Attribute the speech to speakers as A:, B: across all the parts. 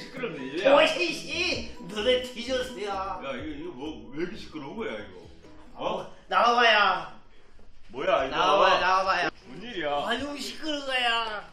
A: 시끄럽네 얘야.
B: 오이씨 너네 뒤졌어요.
A: 야 이거 뭐 왜 이렇게 시끄러운 거야 이거?
B: 나와봐야.
A: 뭐야 이거?
B: 나와봐야.
A: 무슨 일이야?
B: 아주 시끄러운 거야.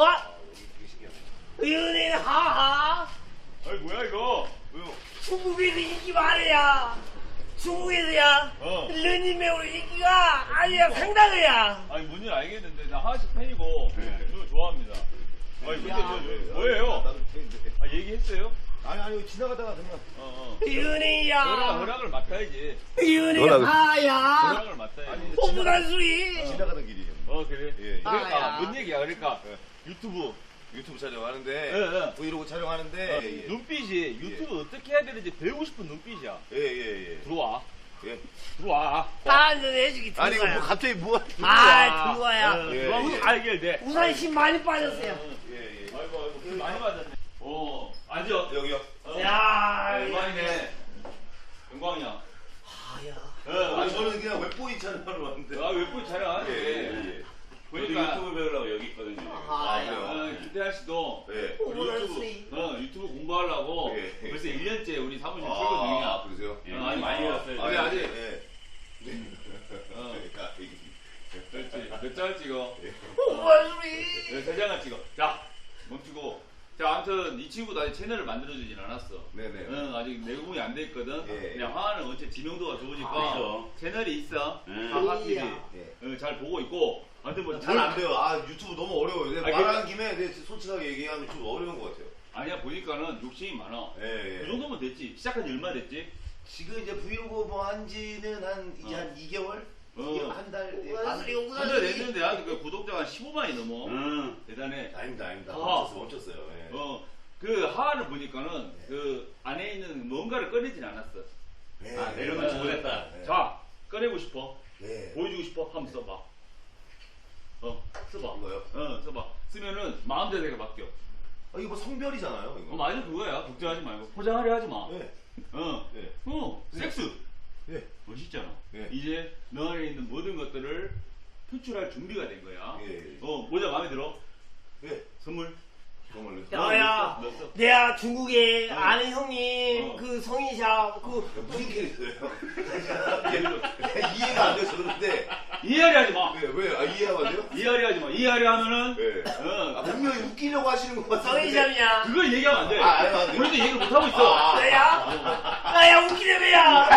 B: 연예인 하하.
A: 아니 뭐야 이거?
B: 중국에서 인기 많아야. 중국에서야. 르니메오 인기가 아니야 상당해야.
A: 아니 뭔지 알겠는데 나 하하씨 팬이고 이거 좋아합니다. 아니 근데 뭐예요? 아 얘기했어요?
C: 아니 지나가다가 그냥
B: 연예인이야.
A: 허락을 맡아야지.
B: 연예인 하야.
A: 허락을 맡아야지.
B: 뽀뽀한 소리.
C: 지나가던 길이에요.
A: 그래?
C: 예.
A: 그러니까
B: 야.
A: 뭔 얘기야 그러니까 유튜브
C: 촬영하는데 브이로그 촬영하는데
A: 눈빛이 유튜브 어떻게 해야 되는지 배우고 싶은 눈빛이야.
C: 예.
A: 들어와.
C: 예.
A: 들어와.
B: 한잔 해주기
C: 아니 이거 뭐
B: 들어와요.
C: 갑자기 뭐
B: 들어와야.
C: 예.
A: 들어와. 알게 돼.
B: 우산 힘 많이 빠졌어요.
C: 예.
A: 아이고 그 많이 맞았네. 앉아.
C: 여기요.
B: 야.
A: 영광이네. 영광이야.
C: 아니 저는 그냥 웹보이 촬영하러 왔는데.
A: 웹툰 촬영하는데.
C: 예.
A: 보니까 유튜브 배우려고 여기 있거든요.
C: 그래요?
A: 김태환 씨도
C: 예.
A: 유튜브 공부하려고
C: 예.
A: 벌써 1년째 우리 사무실 출근 중이야.
C: 그러세요?
A: 아니 많이 배웠어요.
C: 아니
A: 근데 아직
C: 예.
A: 그렇지. 몇 장을 찍어?
B: 뽀뽀한 소리.
A: 3장을 찍어. 자, 멈추고. 자, 아무튼 이 친구도 아직 채널을 만들어주진 않았어.
C: 네네.
A: 아직 내공이 안 돼 있거든.
C: 예.
A: 그냥 하하는 어째 지명도가 좋으니까
D: 그렇죠.
A: 채널이 있어. 하하 TV.
C: 예.
A: 잘 보고 있고. 아무튼 뭐
C: 잘 안 돼요. 유튜브 너무 어려워요.
A: 아니,
C: 말하는 김에 솔직하게 얘기하면 좀 어려운 것 같아요.
A: 아니야 보니까는 욕심이 많아.
C: 예.
A: 그 정도면 됐지. 시작한 지 얼마 됐지?
C: 지금 이제 브이로그 뭐 한지는 이제 한 2개월? 한 달?
B: 뽀뽀한 소리. 뽀뽀한
A: 한달
B: 소리.
A: 됐는데 그 구독자가 15만이 넘어. 대단해.
C: 아닙니다.
A: 하하.
C: 멈췄어요. 예.
A: 그 하하를 보니까는 그 안에 있는 뭔가를 꺼내진 않았어.
C: 예.
D: 내려놓지 못했다.
C: 예.
A: 자, 꺼내고 싶어.
C: 예.
A: 보여주고 싶어. 한번 써봐. 써봐.
C: 이거요?
A: 써봐. 쓰면은 마음대로 바뀌어.
C: 이거 뭐 성별이잖아요. 이거.
A: 맞아 그거야. 걱정하지 말고. 포장하려 하지 마.
C: 예. 예.
A: 섹스.
C: 예.
A: 멋있잖아.
C: 예.
A: 이제 너 안에 있는 모든 것들을 표출할 준비가 된 거야.
C: 예.
A: 모자 마음에 들어?
C: 예.
A: 선물.
C: 정말로.
B: 야야.
A: 넣었어.
B: 내가 중국에 아는 형님 그 성인샵
C: 무슨 캐릭터예요? 이해가 안 돼서 그런데
A: 이해하려 하지 마.
C: 왜? 이해가 안 돼요?
A: 이해하려 하지 마. 이해하려 하면은
C: 네. 분명히 웃기려고 하시는 것 같은데.
B: 성인샵이야.
A: 그걸 얘기하면 안 돼.
C: 안 돼.
A: 우리도 얘기를 못 하고 있어.
B: 나야 웃기네매야.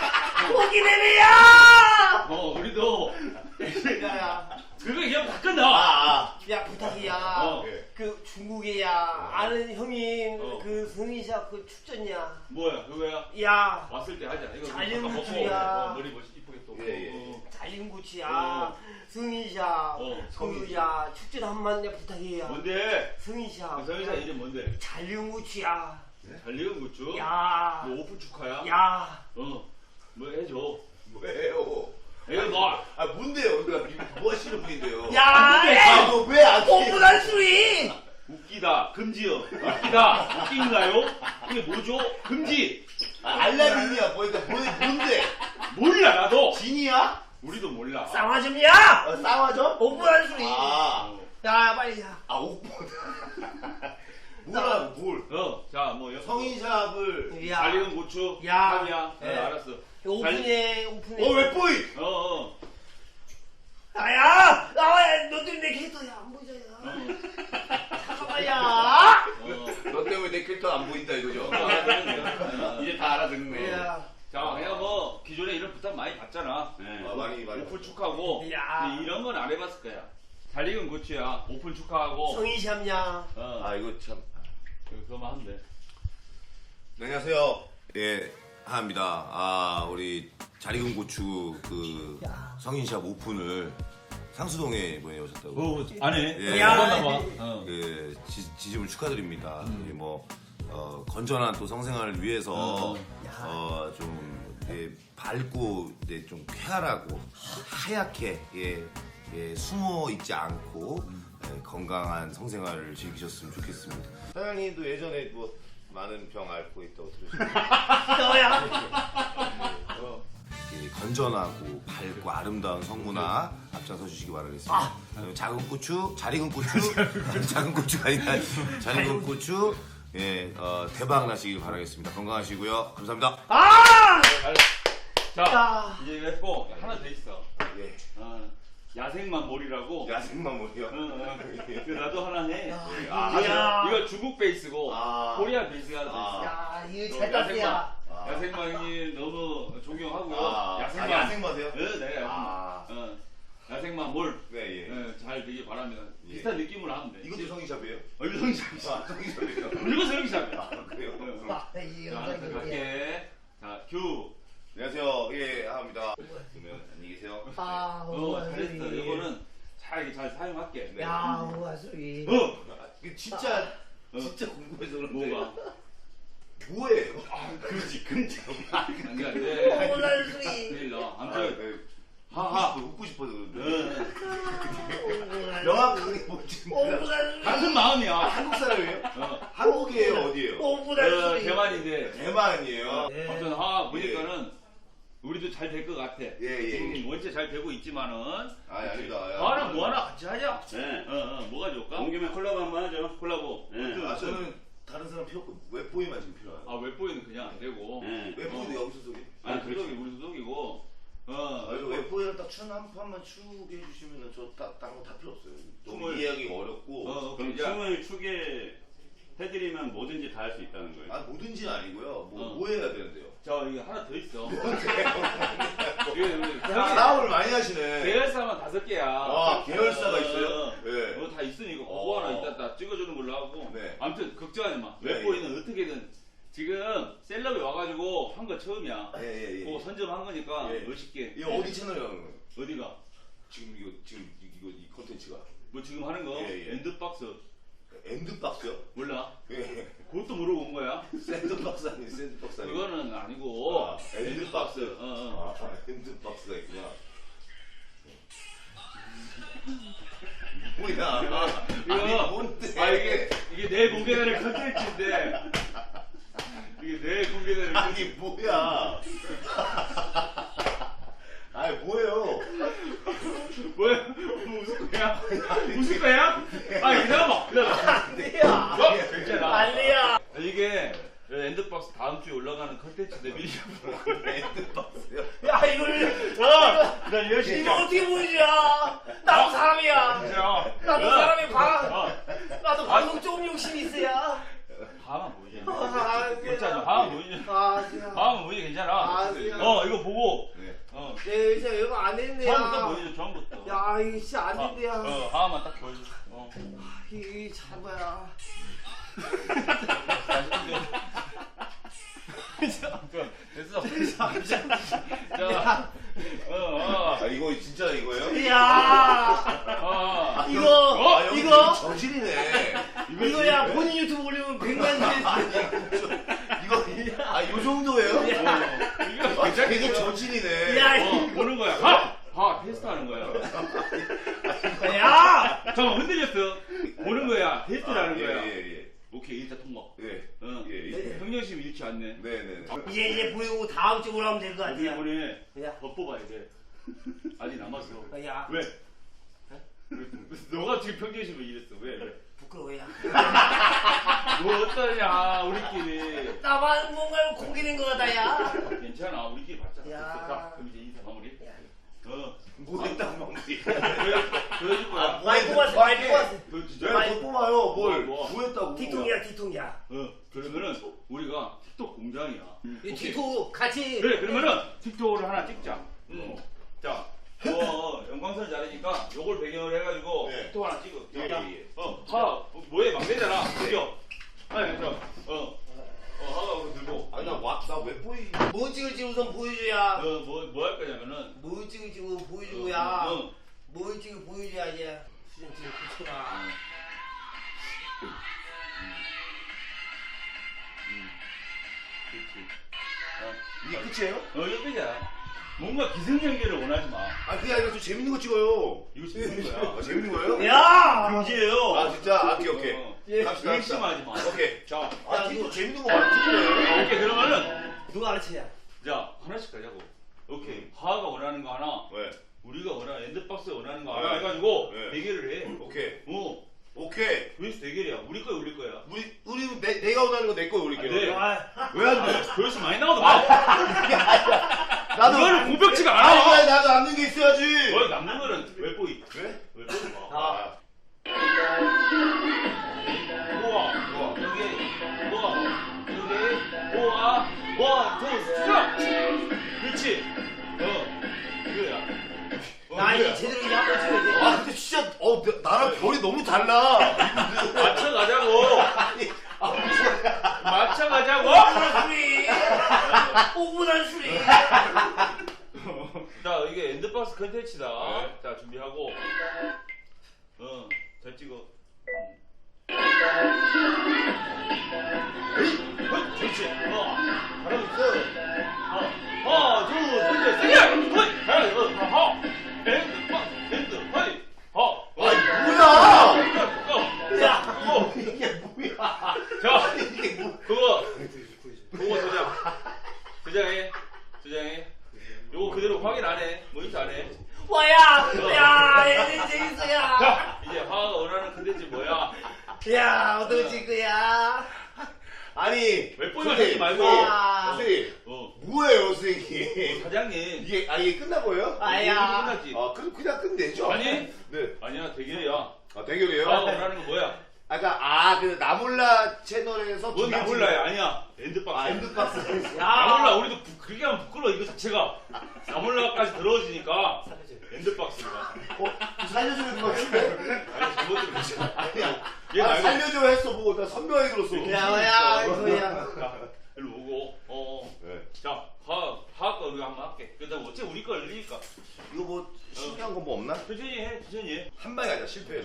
B: 웃기네매야.
A: 우리도
B: 야야.
A: 그거 얘기하면 다 끝나.
B: 야 부탁이야.
C: 예.
B: 그 중국에야 아는 형님 그 성인샵 그 축전이야.
A: 뭐야 그거야?
B: 야
A: 왔을 때 하자. 이거
B: 잘
A: 잠깐 먹고
B: 먹어야.
A: 머리 멋있 이쁘게 또.
C: 예.
B: 잘린구치야. 성인샵 그야 축전 한번 내가 부탁이야.
A: 뭔데?
B: 성인샵.
A: 성인사 이름 뭔데?
B: 잘린구치야.
A: 잘 익은 고추.
B: 야.
A: 너 오픈 축하야.
B: 야.
A: 뭐 해줘.
C: 뭐예요?
A: 이거 뭐?
C: 뭔데요? 뭐 하시는 분인데요?
B: 야.
C: 왜안
B: 뽀뽀한 소리.
A: 웃기다 금지요. 웃기다 웃긴가요? 이게 뭐죠? 금지.
C: 알라딘이야 뭐니까 뭔데?
A: 몰라 나도.
C: 진이야?
A: 우리도 몰라.
B: 쌍화점이야.
C: 쌍화점?
B: 뽀뽀한 소리. 야 빨리 야.
C: 옥보다. 뭐라고 뭘?
A: 자 뭐
C: 성인샵을
B: 야.
A: 잘 익은 고추.
B: 야.
A: 야.
C: 네.
A: 알았어.
B: 오픈해.
C: 웹보이!
B: 야야. 너 때문에 내 캐릭터야 안 보이잖아. 잠깐만야.
C: 너 때문에 내 캐릭터 안 보인다 이거죠?
D: 이제 다 알아듣네.
A: 자 그냥 뭐 기존에 이런 부탁 많이 받잖아.
C: 많이
A: 오픈 축하하고.
B: 야.
A: 근데 이런 건 안 해봤을 거야. 잘 익은 고추야. 오픈 축하하고.
B: 성인샵냐.
C: 이거 참.
A: 그거만 하면 돼.
C: 네, 안녕하세요. 예, 하입니다. 우리 잘 익은 고추 그 성인샵 오픈을 상수동에 이번에 오셨다고.
A: 안 해.
C: 예.
A: 야.
C: 그 지짐을 축하드립니다. 뭐 건전한 또 성생활을 위해서 좀 밝고 좀 쾌활하고 하얗게 숨어 있지 않고 건강한 성생활을 즐기셨으면 좋겠습니다. 사장님도 예전에 뭐 많은 병 앓고 있다고 들으셨는데
B: 너야.
C: 건전하고 밝고 아름다운 성문화 앞장서 주시기 바라겠습니다. 작은 고추, 잘 익은 고추, 작은 고추가 아니라 잘 익은 고추, 예, 대박 나시길 바라겠습니다. 건강하시고요. 감사합니다.
B: 아!
A: 자,
B: 야.
A: 이제 이거 했고 하나 더 있어.
C: 예.
A: 야생만 몰이라고.
C: 야생만 뭐요?
A: 그 나도 하나 해.
B: 야.
A: 이거 중국 베이스고
C: 아.
A: 코리아 베이스가 하나 더 있어.
B: 야, 이거 잘 땄어야.
A: 야생만 형님 너무 존경하고요. 야생만.
C: 야생마세요?
A: 네, 야생만. 야생만 몰.
C: 네, 예.
A: 잘 되길 바랍니다.
C: 예.
A: 비슷한 느낌으로 하면 돼.
C: 이것도 성의샵이에요?
A: 이거 성의샵이야.
C: 성의샵이에요.
A: 이거 성의샵이야.
C: 그래요?
B: 이
A: 자,
B: 영상이
A: 갈게. 자, 큐.
C: 안녕하세요. 예, 합니다. 그러면 안녕히 계세요.
A: 잘했어. 이거는 잘 사용할게.
C: 네.
B: 야, 우와 소리.
C: 이게 진짜 궁금해서 그런데
A: 뭐가?
C: 뭐예요?
A: 그렇지, 근데. 안 돼, 안 돼.
B: 오날 소리.
A: 내일 나.
C: 아,
A: 아무튼.
C: 하하 웃고 싶어서 그런데
B: 오날
C: 명확하게 뭔지 몰라.
B: 소리.
A: 같은 마음이야.
C: 한국 사람이에요?
A: 어.
C: 한국이에요? 어디예요?
B: 오날 소리.
A: 대만인데.
C: 대만이에요.
B: 네.
A: 아무튼 보니까는 우리도 잘 될 것 같아.
C: 예.
A: 원체 잘 되고 있지만은.
C: 아닙니다.
A: 하나 뭐 하나 같이 하자.
D: 네.
A: 뭐가 좋을까?
D: 온 김에 콜라보 한번 하죠.
A: 콜라보.
D: 네.
C: 저는 다른 사람 필요 없고 웹보이만 지금 필요해요.
A: 웹보이는 그냥 안 되고.
D: 네.
C: 웹보이도 여기서 소개.
A: 아니, 소속이 우리 소속이고.
C: 이거 웹보이를 딱 춘 한 판만 추게 해주시면 저딴거 다 필요 없어요. 너무
A: 춤을-
C: 이해하기 어렵고.
D: 그럼 춤을 추게 해드리면 뭐든지 다 할 수 있다는 거예요.
C: 뭐든지는 아니고요. 뭐 해야 되는데요?
A: 이거 하나 더 있어.
C: 사업을 많이 하시네.
A: 계열사만 5개야.
C: 계열사가 있어요? 네.
A: 그거 다 있으니까 그거 하나 이따 다 찍어주는 걸로 하고.
C: 네.
A: 아무튼 걱정하지 마.
C: 네,
A: 웹보이는 어떻게든 지금 셀럽이 와가지고 한 거 처음이야.
C: 예.
A: 그거 선점한 거니까
C: 예.
A: 멋있게.
C: 이거 어디 채널에 하는 거예요?
A: 어디가?
C: 지금 이 컨텐츠가
A: 뭐 지금 하는 거?
C: 예.
A: 엔드박스
C: 엔드박스요?
A: 몰라?
C: 예.
A: 그것도 모르고 온 거야?
C: 샌드박스 아니에요? 샌드박스 아니에요?
A: 그거는 아니고
C: 엔드박스.
A: 엔드박스.
C: 엔드박스가 있구나. 뭐야? 아니 뭔데?
A: 이게 내일 공개되는 컨텐츠인데 이게 내일 공개되는
C: 아니 뭐야? 아니 뭐예요?
A: 뭐야? 뭐 웃을 거야? 웃을 거야? 기다려봐.
B: 아니야.
A: 괜찮아.
B: 아니야.
A: 이게 엔드박스 다음 주에 올라가는 컨텐츠인데 미리
C: 엔드박스요?
B: 야, 이걸
A: 나 열심히
B: 이거 어떻게 보여주냐? 나도 사람이야. 나도 사람이 나도 방송 조금 욕심이 있어야.
A: 다음은 보이지.
B: 아,
A: 괜찮아. 다음은 보이지. 다음은 보이지 괜찮아. 이거 보고.
C: 네.
B: 네, 이제 이거 안 했네요.
A: 처음부터 보여줘. 처음부터.
B: 야, 이거 진짜 안 된대야.
A: 하나만 딱 보여줘.
B: 이 잡아야.
A: 됐어. 자,
C: 이거 진짜 이거예요?
B: 야,
C: 여기
B: 이거
C: 저질이네.
B: 이거야 본인 유튜브 올리면 100만
C: 요 정도예요? 이거 저질이네.
B: 야,
A: 보는 거야. 테스트하는 거야.
B: 야,
A: 잠깐 흔들렸어. 보는 거야. 테스트하는 거야.
C: 예.
A: 오케이, 일단 통과.
C: 예.
A: 평정심 잃지 않네.
C: 네네.
B: 이제 보이고 다음 주로 하면 될 것
A: 어떻게
B: 같아요.
A: 보내?
B: 야.
A: 더 뽑아야 돼. 아직 남았어.
B: 야,
A: 왜? 너가 지금 평정심을 잃었어. 왜?
B: 부끄러워야.
A: 뭐 어떠냐, 우리끼리.
B: 나만 뭔가 고기는 것 같다, 야.
A: 괜찮아, 우리끼리 봤잖아.
B: 야.
A: 됐어. 자, 그럼 이제 인사 마무리.
C: 뭐 했다고 마무리.
A: 보여줄 거야.
B: 많이 뽑았어, 많이 뽑았어.
A: 너 진짜?
C: 왜 뽑아요? 뭘?
A: 뭐?
C: 뭐 했다고?
B: 틱톡이야, 틱톡이야.
A: 그러면은 우리가 틱톡 공장이야.
B: 이 틱톡 같이.
A: 그래, 그러면은 틱톡을 하나 찍자. 자, 영광선 잘하니까 요걸 배경으로 해가지고
C: 네.
A: 틱톡 하나 찍어.
C: 예,
A: 자,
C: 예.
A: 뭐해 막내잖아. 그죠? 아니, 하가 우리 들고.
C: 아니 나왜 보이?
B: 뭐 찍을지 우선 보여줘야.
A: 뭐 할 거냐면은.
B: 뭐 찍을지 보여주고야. 뭐 찍을 보여줘야 이제. 수정 찍을 붙여라.
A: 그렇지.
C: 이게 끝이에요?
A: 이거 끝이야. 뭔가 기승전결을 원하지 마.
C: 그게 아니라 좀 재밌는 거 찍어요.
A: 이거 재밌는 거야.
C: 재밌는 거예요?
B: 야!
A: 금지예요.
C: 진짜? 오케이.
B: 예.
C: 갑시다.
A: 의심하지 마.
C: 오케이.
A: 자,
C: 틱톡 재밌는 거 많이 찍네.
A: 오케이, 그러면은.
B: 누가 가르치냐?
A: 자, 하나씩 가자고. 오케이. 하하가 원하는 거 하나.
C: 왜?
A: 우리가 원하는 엔드박스 원하는 거
C: 네.
A: 하나 해가지고
C: 네.
A: 대결을 해.
C: 오케이. 오케이.
D: 조회수 대결이야. 우리 거야, 우리 거야.
C: 우리 내가 원하는 거 내 거에 올릴게요.
D: 네.
C: 왜 안 돼?
D: 조회수 많이 나오도 봐.
C: 나도
A: 그거는 공백지가 않아.
C: 아니 나도 남는 게 있어야지.
D: 너 남는 거는 웹보이.
C: 그래?
D: 웹보이 봐.
C: 아.
D: 우와, 우와, 여기, 우와, 여기, 우와, 원, 투, 스톱! 그렇지. 이거야.
B: 나 이제 제대로 이제 한번 찍어야 돼.
C: 아 근데 진짜 나랑 별이 너무 달라.
D: 맞춰가자고. 맞춰가자고.
B: 술이. 5분한 술이.
D: 자, 이게 엔드박스 컨텐츠다. 자, 준비하고. 잘 찍어. 그렇지. 잘하고 있어. 하나, 둘, 셋, 세게. 잘하고. 엔드박스, 엔드, 하이.
C: 아니 뭐야?
B: 야.
C: 이게 뭐야?
D: 자,
C: 이게 뭐?
D: 그거 도장해. 요거 그대로 확인 안 해. 모니터 안 해.
B: 야, 얘는 재밌어, 야.
D: 자, 이제 화가 원하는 컨텐츠 뭐야?
B: 야, 어떻게 찍 거야?
C: 아니
D: 웹보이만 찍지 말고.
C: 선생님 뭐예요 선생님?
D: 사장님.
C: 이게 끝난 거예요?
B: 아야.
D: 끝났지?
C: 아 그럼 그냥 끝내죠.
D: 아니?
C: 네.
D: 아니야, 대결이야.
C: 아 대결이에요?
D: 화가 원하는 거 뭐야?
C: 아까 그 나몰라 채널에서
D: 뭔 나몰라야? 아니야. 엔드박스.
C: 아 엔드박스.
D: 나몰라. 우리도 그렇게 하면 부끄러워. 이거 자체가 나몰라까지 들어오지니까 엔드박스가.
C: 살려주는 거 같은데?
D: 아니, 잘못 들었지.
C: 아니야.
D: 얘
C: 아,
D: 말고.
C: 살려줘 했어 보고 나 선명하게 들었어.
B: 야, 뭐야.
D: 자, 일로 오고.
C: 네.
D: 자, 화학 거 우리가 한번 할게. 그다음 어째 우리 걸 늘리니까.
C: 이거 뭐 신기한 거 뭐 없나?
D: 천천히 해.
C: 한 방에 가자 실패해.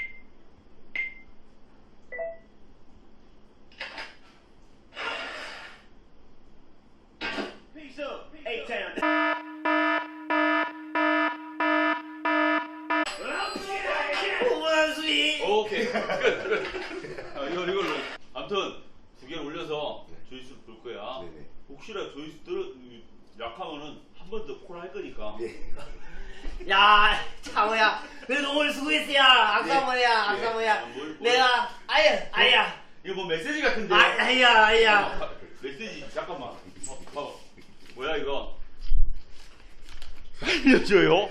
B: 오분한 술이.
D: 오케이. 끝. 이걸로. 아무튼 두 개를 올려서 조회수 볼 거야.
C: 네네.
D: 혹시나 조회수 약하면은 한 번 더 콜 할 거니까.
C: 예.
B: 야, 장호야. 그래도 오늘 수고했어, 야. 아까 뭐야.
D: 뭘.
B: 내가, 아야.
D: 이거 뭐 메시지 같은데.
B: 아야.
D: 메시지 잠깐만. 봐봐. 뭐야 이거?
A: 살려줘요.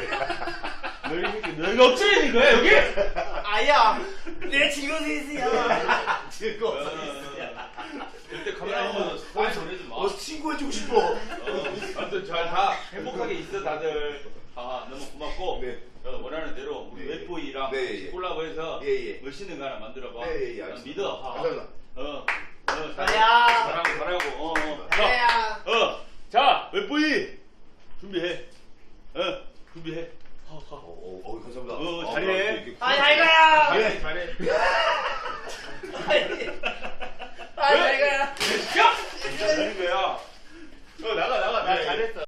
D: 너희가 억지르는 거야 여기?
B: 아야. 내 즐거워서 했어야.
C: 즐거워.
D: 절대 카메라 한번 사인 보내지 마.
C: 친구해주고 싶어.
D: 아무튼 다 행복하게 있어 다들. 너무 고맙고.
C: 네.
D: 원하는 대로 우리
C: 네.
D: 웹보이랑
C: 네, 예.
D: 콜라보해서
C: 예.
D: 멋있는 거 하나 만들어봐.
C: 예,
D: 난
C: 알겠습니다.
D: 믿어.
C: 감사합니다.
B: 아야.
D: 잘하고.
B: 아야.
D: 자, 웹보이 준비해. 준비해.
C: 감사합니다.
D: 잘해.
C: 이렇게
B: 잘 가야.
D: 잘해.